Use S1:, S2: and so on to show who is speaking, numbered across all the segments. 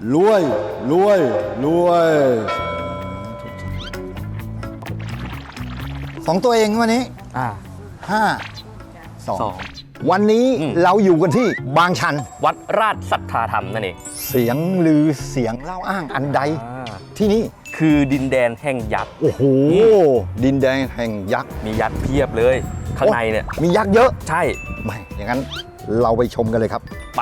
S1: รวยรวยรวย2 ตัวเองวันนี้ 5 2 วันนี้เราอยู่กันที่บางชัน
S2: วัดราชสัทธาธรรมนั่นเอง
S1: เสียงลือเสียงเล่าอ้างอันใดที่นี่
S2: คือดินแดนแห่งยักษ์
S1: โอ้โหดินแดนแห่งยักษ์
S2: มียักษ์เพียบเลยข้างในเนี่ย
S1: มียักษ์เยอะ
S2: ใช่
S1: ไม่อย่างนั้นเราไปชมกันเลยครับ
S2: ไป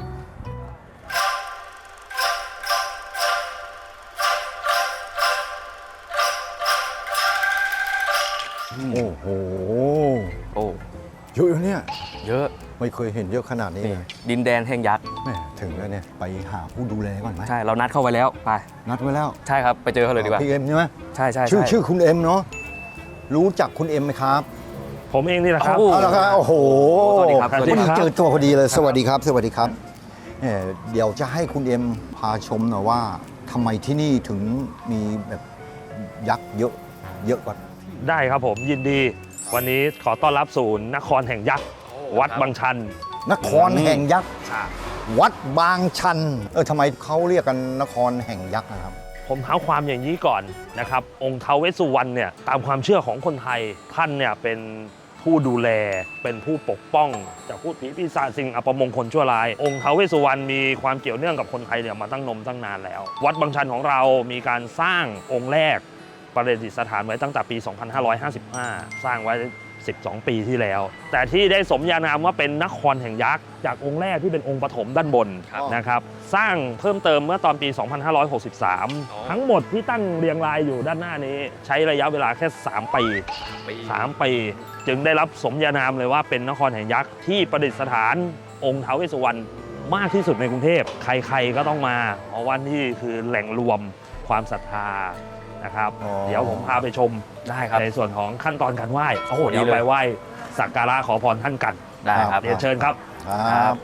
S1: โอ้โห
S2: โอ้
S1: เยอะเนี่ย
S2: เยอะ
S1: ไม่เคยเห็นเยอะขนาดนี้
S2: นี่
S1: เลย
S2: ดินแดนแห่งยักษ์
S1: แม่ถึงแล้วเนี่ยไปหาผู้ดูแลก่อนไหม
S2: ใช่เรานัดเข้าไว้แล้วไป
S1: นัดไว้แล้ว
S2: ใช่ครับไปเจอเขาเลยดีกว่า
S1: พี่เอ็มใช่ไหม
S2: ใช่ใช่
S1: ชื่อคุณเอ็มเนาะรู้จักคุณเอ็มไหมครับ
S3: ผมเองนี่แหละครับ
S1: เอาละครับโอ้โห
S2: สวัสดีครับ
S3: สวัสดี
S1: พอดี
S3: ครับ
S1: เจอตัวพอดีเลยสวัสดีครับ สวัสดีครับเดี๋ยวจะให้คุณเอ็มพาชมหน่อยว่าทำไมที่นี่ถึงมีแบบยักษ์เยอะเยอะกว่า
S3: ได้ครับผมยินดี วันนี้ขอต้อนรับสู่นครแห่งยักษ์วัดบางชัน
S1: นครแห่งยักษ์วัดบางชันทำไมเขาเรียกกันนครแห่งยักษ์นะครับ
S3: ผมเท้าความอย่างนี้ก่อนนะครับ องค์ท้าวเวสสุวรรณเนี่ยตามความเชื่อของคนไทยท่านเนี่ยเป็นผู้ดูแลเป็นผู้ปกป้องจากพูดผีปีศาจสิ่งอัปมงคลชั่วร้ายองค์ท้าวเวสสุวรรณมีความเกี่ยวเนื่องกับคนไทยเนี่ยมาตั้งนมตั้งนานแล้ว วัดบางชันของเรามีการสร้างองค์แรกประดิษฐานไว้ตั้งแต่ปี 2555 สร้างไว้ 12 ปีที่แล้ว แต่ที่ได้สมญานามว่าเป็นนครแห่งยักษ์จากองค์แรกที่เป็นองค์ปฐมด้านบนนะครับสร้างเพิ่มเติมเมื่อตอนปี 2563 ทั้งหมดที่ตั้งเรียงรายอยู่ด้านหน้านี้ใช้ระยะเวลาแค่ 3 ปี 3 ปี จึงได้รับสมญานามเลยว่าเป็นนครแห่งยักษ์ที่ประดิษฐานองค์ท้าวเวสสุวรรณมากที่สุดในกรุงเทพใครๆก็ต้องมาเพราะว่านี่คือแหล่งรวมความศรัทธานะครับ
S1: อ๋อ
S3: เดี๋ยวผมพาไปชม
S2: ได้ครับ
S3: ในส่วนของขั้นตอนการไหว้
S2: โอ้โหดี
S3: เดี๋ยว
S2: เลย
S3: ไปไหว้สักการะขอพรท่านกัน
S2: ได้ครับ
S3: เรียนเชิญครับ
S1: ครับ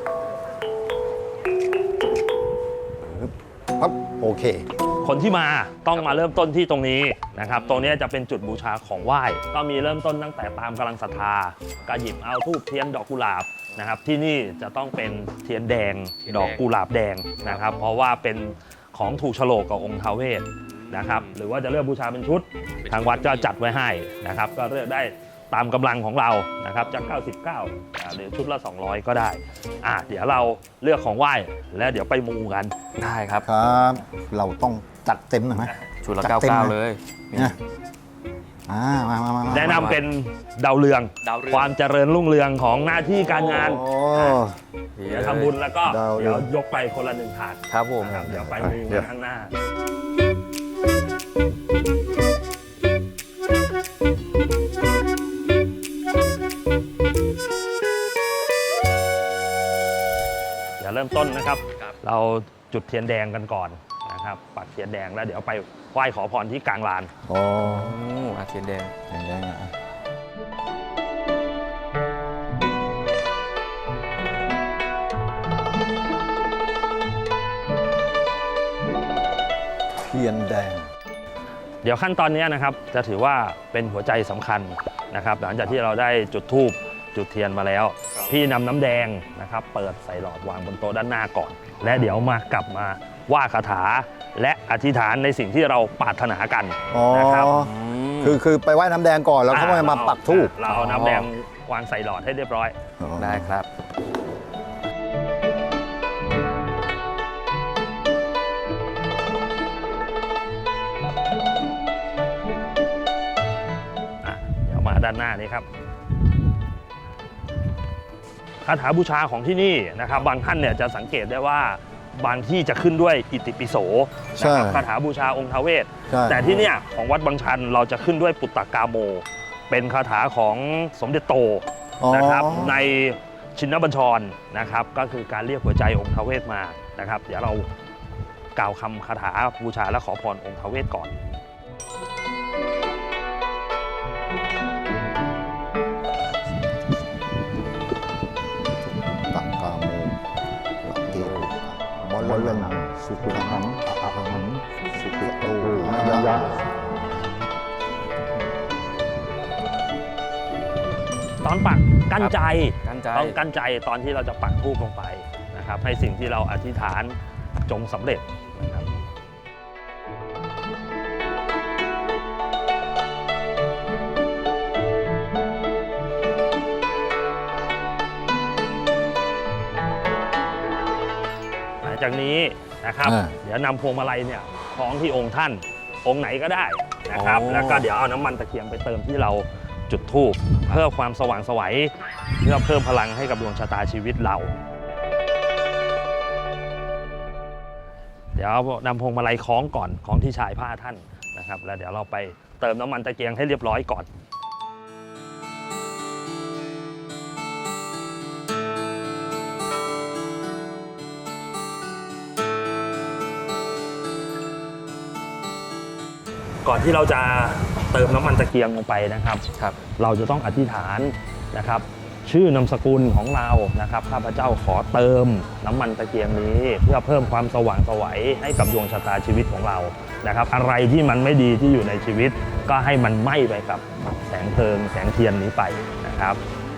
S1: ครับโอเค
S3: คนที่มาต้องมาเริ่มต้นที่ตรงนี้นะครับ ตรงนี้จะเป็นจุดบูชาของไหว้ ก็มีเริ่มต้นตั้งแต่ตามกำลังศรัทธาก็หยิบเอาธูปเทียนดอกกุหลาบนะครับ ที่นี่จะต้องเป็นเทียนแดง
S2: เทียนแดง
S3: ดอกกุหลาบแดงนะครับ เพราะว่าเป็นของถูกโฉลกกับองค์ท้าวเวสนะครับ หรือว่าจะเลือกบูชาเป็นชุด ทางวัดก็จัดไว้ให้นะครับ ก็เลือกได้ตามกำลังของเรานะครับจาก99หรือชุดละ 200 ก็ได้เดี๋ยวเราเลือกของไหว้แล้วเดี๋ยวไปมูกัน
S2: ได้ครับ
S1: ครับ เราต้องจัดเต็มหน่อยไหม
S2: ชุดละ
S1: จัดเต็ม
S2: 99 เลย
S1: นะมา
S3: แนะนำเป็นดาวเรือง
S2: ดาวเรือง
S3: ความเจริญรุ่งเรืองของหน้าที่การงาน
S1: โอ้
S3: เดี๋ยวทำบุญแล้วก็
S1: ดาวเรื
S3: เดี๋
S1: อง
S3: ยวยกไปคนละ1 ถาด
S2: ครับผม
S3: นะครับเดี๋ยวไปมู
S1: เดี๋
S3: กั
S1: ยว
S3: นข้างหน้า เดี๋ยวเริ่มต้นนะครับ เราจุดเทียนแดงกันก่อนนะครับ ปักเทียนแดงแล้วเดี๋ยวไปไหว้ขอพรที่กลางลาน
S1: โอ้
S2: อาเทียนแดง
S1: อย่างนี้นะเทียนแดง
S3: เดี๋ยวขั้นตอนนี้นะครับจะถือว่าเป็นหัวใจสำคัญนะครับ หลังจากที่เราได้จุดธูปจุดเทียนมาแล้ว พี่นำน้ำแดงนะครับเปิดใส่หลอดวางบนโต๊ะด้านหน้าก่อน และเดี๋ยวมากลับมาว่าคาถาและอธิษฐานในสิ่งที่เราปรารถนากัน
S1: อ๋อ
S3: นะครับ
S1: คือไปไหว้น้ำแดงก่อนแล้วเขามาปักธูป
S3: เราเอาน้ำแดงวางใส่หลอดให้เรียบร้อย
S2: ได้ครับ
S3: เดี๋ยวมาด้านหน้านี้ครับคาถาบูชาของที่นี่นะครับบางท่านเนี่ยจะสังเกตได้ว่าบางที่จะขึ้นด้วยอิติปิโสนะครับคาถาบูชาองค์ท้าวเวส
S1: ใช่
S3: แต่ที่เนี่ยของวัดบางชันเราจะขึ้นด้วยปุตตกาโม เป็นคาถาของสมเด็จโตนะครับในชินบัญชรนะครับก็คือการเรียกหัวใจองค์ท้าวเวสมานะครับ เดี๋ยวเรากล่าวคำคาถาบูชาและขอพรองค์ท้าวเวสก่อน
S1: ตักกาโมหลักเกบอลเลนังสุขุหังอะหังสุขโตมายา
S3: ตอนปักกั้นใจ
S2: กั้นใจ
S3: ต้องกั้นใจตอนที่เราจะปักธูปลงไปนะครับให้สิ่งที่เราอธิษฐานจงสำเร็จนะครับหลังจากนี้นะครับ เดี๋ยวนำพวงมาลัยเนี่ยคล้องที่องค์ท่านองค์ไหนก็ได้นะครับ แล้วก็เดี๋ยวเอาน้ำมันตะเกียงไปเติมที่เราจุดธูปเพื่อความสว่างไสวเพื่อเพิ่มพลังให้กับดวงชะตาชีวิตเรา เดี๋ยวนำพวงมาลัยคล้องก่อนคล้องที่ชายผ้าท่านนะครับแล้วเดี๋ยวเราไปเติมน้ำมันตะเกียงให้เรียบร้อยก่อนก่อนที่เราจะเติมน้ำมันตะเกียงลงไปนะครับ เราจะต้องอธิษฐานนะครับ ชื่อนามสกุลของเรานะครับข้าพเจ้าขอเติมน้ำมันตะเกียงนี้เพื่อเพิ่มความสว่างไสวให้กับดวงชะตาชีวิตของเรานะครับอะไรที่มันไม่ดีที่อยู่ในชีวิตก็ให้มันไหม้ไปกับแสงเพลิงแสงเทียนนี้ไปนะครับ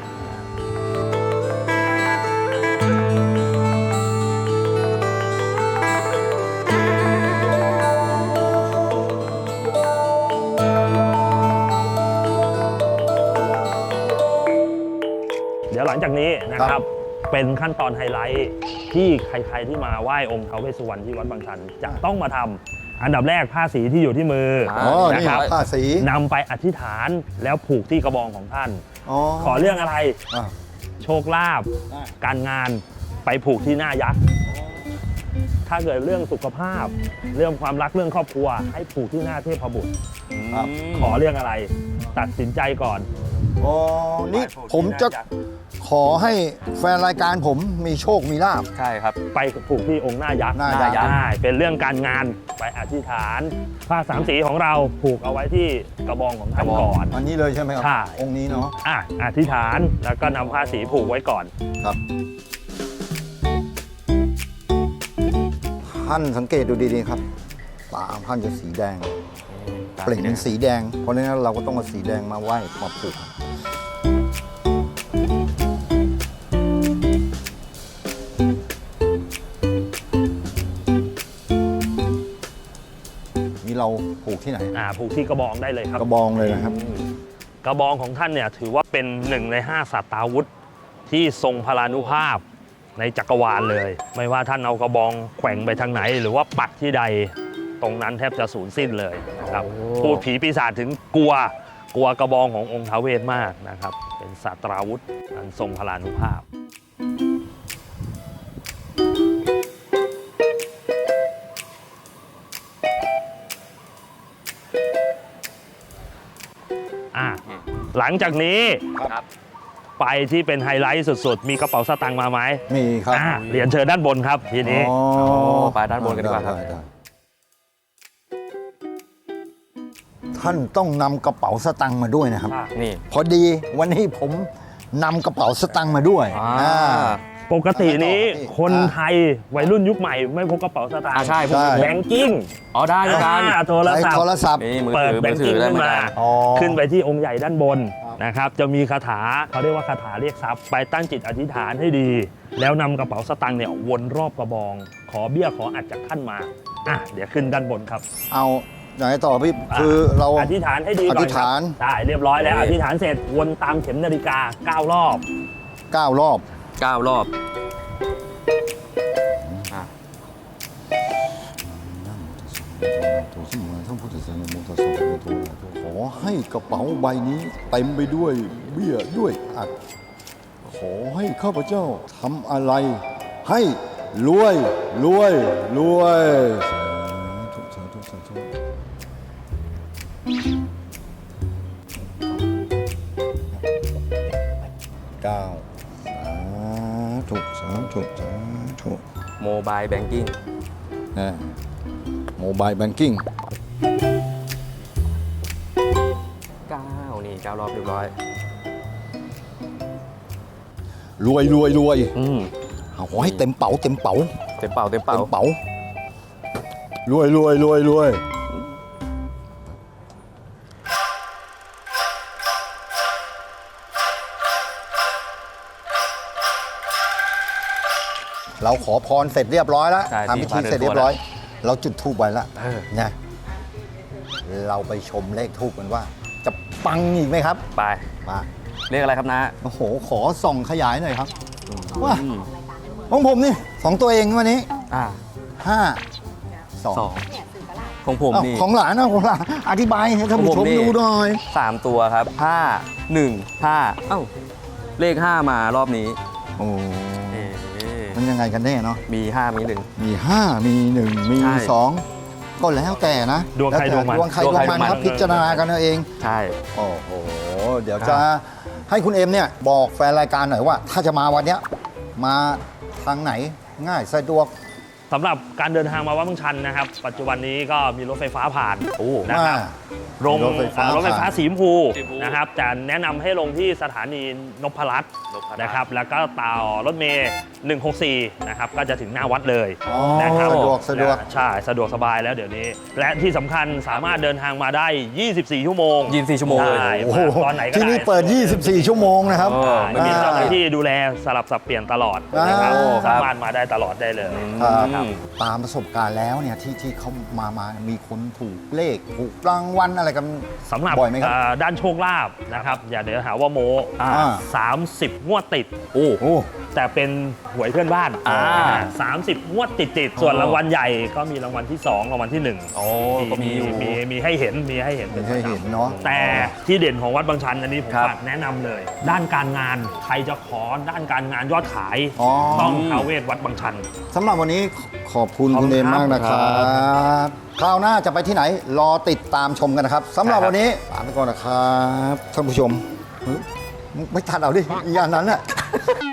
S3: เดี๋ยวหลังจากนี้นะครับเป็นขั้นตอนไฮไลท์ที่ใครๆที่มาไหว้องค์ท้าวเวสสุวรรณที่วัดบางชันจะต้องมาทำอันดับแรกผ้าสีที่อยู่ที่มือ
S1: นี่ผ้าสี
S3: นำไปอธิษฐานแล้วผูกที่กระบองของท่านขอเรื่องอะไรโชคลาภการงานไปผูกที่หน้ายักษ์ถ้าเกิดเรื่องสุขภาพเรื่องความรักเรื่องครอบครัวให้ผูกที่หน้าเทพบุตรขอเรื่องอะไรตัดสินใจก่อน
S1: นี่ผมจะขอให้แฟนรายการผมมีโชคมีลาภ
S2: ใช่ครับ
S3: ไปผูกที่องค์หน้ายักษ์เป็นเรื่องการงานไปอธิษฐานผ้าสามสีของเราผูกเอาไว้ที่กระบองของท่านก่อน
S1: อันนี้เลยใช่ไหมครับ
S3: ใช่
S1: องค์นี้เนาะ
S3: อธิษฐานแล้วก็นำผ้าสีผูกไว้ก่อน
S1: ครับท่านสังเกตดูดีๆครับตาท่านจะสีแดงเปล่งเป็นสีแดงเพราะฉะนั้นเราก็ต้องเอาสีแดงมาไหว้มาผูกนี่เราผูกที่ไหน
S3: ผูกที่กระบองได้เลยครับ
S1: กระบองเลยนะครับ
S3: กระบองของท่านเนี่ยถือว่าเป็น1 ใน 5 สัตตาวุธที่ทรงพลานุภาพในจักรวาลเลยไม่ว่าท่านเอากระบองแขว่งไปทางไหนหรือว่าปักที่ใดตรงนั้นแทบจะสูญสิ้นเลยนะครับพูดผีปีศาจถึงกลัวกระบองขององค์ท้าวเวสมากนะครับเป็นสัตราวุธอันทรงพลานุภาพหลังจากนี้ไปที่เป็นไฮไลท์สุดๆมีกระเป๋าสตางค์มาไหม
S1: มีครับ
S3: เรียนเชิญด้านบนครับทีนี้
S2: ไปด้านบนกันดีกว่าครับ
S1: ท่านต้องนำกระเป๋าสตางค์มาด้วยนะครับ
S2: นี่
S1: พอดีวันนี้ผมนำกระเป๋าสตางค์มาด้วย
S3: ปกตินี้คนไทยวัยรุ่นยุคใหม่ไม่พกกระเป๋าสตางค์
S2: ใช่
S3: แบงกิ้ง
S2: ได้ด้วยกัน
S3: โทรศัพท์เปิดแบงกิ้งขึ้นมาขึ้นไปที่องค์ใหญ่ด้านบนนะครับจะมีคาถาเขาเรียกว่าคาถาเรียกทรัพย์ไปตั้งจิตอธิษฐานให้ดีแล้วนำกระเป๋าสตางค์เนี่ยวนรอบกระบองขอเบี้ยขออัดจากท่านมาเดี๋ยวขึ้นด้านบนครับ
S1: เอาไหนต่อพี่คือเรา
S3: อธิษฐานให้ดีก่อน
S1: อธิษฐาน
S3: ใช่เรียบร้อยแล้วอธิษฐานเสร็จวนตามเข็มนาฬิกา9 รอบ
S1: 9 รอบ
S2: 9 รอบ
S1: ขอให้กระเป๋าใบนี้เต็มไปด้วยเบี้ยด้วยอัดขอให้ข้าพเจ้าทำอะไรให้รวย
S2: โมบายแบงกิ้ง
S1: โมบายแบงกิ้ง
S2: 9 รอบเรียบร้อย
S1: รวยเอาให้เต็มเป๋ารวยเราเราขอพรเสร็จเรียบร้อยแล้ว
S2: ใช่
S1: ทำพิธี
S2: ที่พระเดิน
S1: เสร็จเรียบร้อย เราจุดธูปไว้แล้ว
S2: เออ
S1: นะเราไปชมเลขธูปกันว่า จะปังอีกไหมครับ
S2: ไป
S1: มา
S2: เรียกอะไรครับนะ
S1: โอ้โหขอส่องขยายหน่อยครับว่า
S2: อืม
S1: ของผมนี่2ตัวเองวันนี้
S2: อ่า
S1: 5
S2: สอง
S1: 2
S2: ของผม
S1: อ้าว
S2: นี่
S1: ของหลานนะของหลานอธิบายให้ท่านผู้ชมดูหน่อย
S2: 3 ตัวครับ 5 1 5 เอ้า เลข 5 มารอบนี้
S1: โอ้
S2: เอ๊ะ
S1: มันยังไงกันแน่เนาะ
S2: มี 5 มี 1
S1: มี 5 มี 1 มี
S2: ใช่
S1: 2 ก็แล้วแต่นะ
S3: ดวงใคร
S1: แล้
S3: ดวงมัน
S1: ดวงใครดวงมันครับ พิจารณากันเอาเอง
S2: ใช่
S1: โอ้โห เดี๋ยวจะให้คุณเอ็มเนี่ยบอกแฟนรายการหน่อยว่า ถ้าจะมาวันเนี้ยมาทางไหนง่ายสะดวก
S3: สำหรับการเดินทางมาวัดบางชันนะครับ ปัจจุบันนี้ก็มีรถไฟฟ้าผ่าน
S2: โอ้
S3: นะครับลง
S1: รถไฟฟ้าร
S3: ถไฟฟ้า
S1: ผ่าน
S3: สีชมพู
S2: สีชมพู
S3: นะครับจะแนะนำให้ลงที่สถานีนพรัตน์นะครับแล้วก็ต่อรถเมย์164นะครับก็จะถึงหน้าวัดเลย
S1: อ๋อ
S3: นะครับ
S1: สะดวก
S3: ใช่สะดวกสบายแล้วเดี๋ยวนี้ และที่สำคัญสามารถเดินทางมาได้ 24 ชั่วโมง
S2: 24 ชั่วโมงเลย
S3: ได้
S1: โอ้โห
S3: ตอนไหนก็ได้
S1: ที่นี่เปิด 24 ชั่วโมงนะครับ
S2: เออ
S3: ไม่มีเจ้าหน้าที่ดูแลสลับสับเปลี่ยนตลอดนะครับ
S1: โอ้
S2: ครับ
S3: สามารถมาได้ตลอดได้เลย
S1: ครับตามประสบการณ์แล้วเนี่ยที่เขามามีคนถูกเลขถูกรางวัลอะไรกัน
S3: สำหรับ
S1: บ่อยไหมครับ
S3: ด้านโชคลาภนะครับ อย่าเดี๋ยวหาว่าโม
S1: อ่า
S3: 30 งวดติด
S2: โอ้
S1: โอ้
S3: แต่เป็นหวยเพื่อนบ้าน
S2: อ่า
S3: 30 งวดติดส่วนรางวัลใหญ่ก็มีรางวัลที่ 2 รางวัลที่ 1
S2: โอ้ก็มีอยู่
S3: มีให้เห็นมีให้เห็น
S1: ไม่ใช่เห็นเนาะ
S3: แต่ที่เด่นของวัดบางชันอันนี้ผม
S2: ครับ
S3: ฝากแนะนำเลย ด้านการงานใครจะขอด้านการงานยอดขาย
S1: อ๋อ
S3: ต้องท้าวเวสวัดบางชัน
S1: สำหรับวันนี้ขอบคุณ
S3: ขอบ
S1: คุ
S3: คุณ
S1: ณเอม
S3: ครับ
S1: มากนะครับ คราวหน้าจะไปที่ไหนรอติดตามชมกันนะครับสำหรับ
S3: ใช่ครับ
S1: วันนี้ลาไปก่อนนะครับท่านผู้ชมเฮ้ยไม่ทันเอาดิอีกอย่างนั้นน่ะ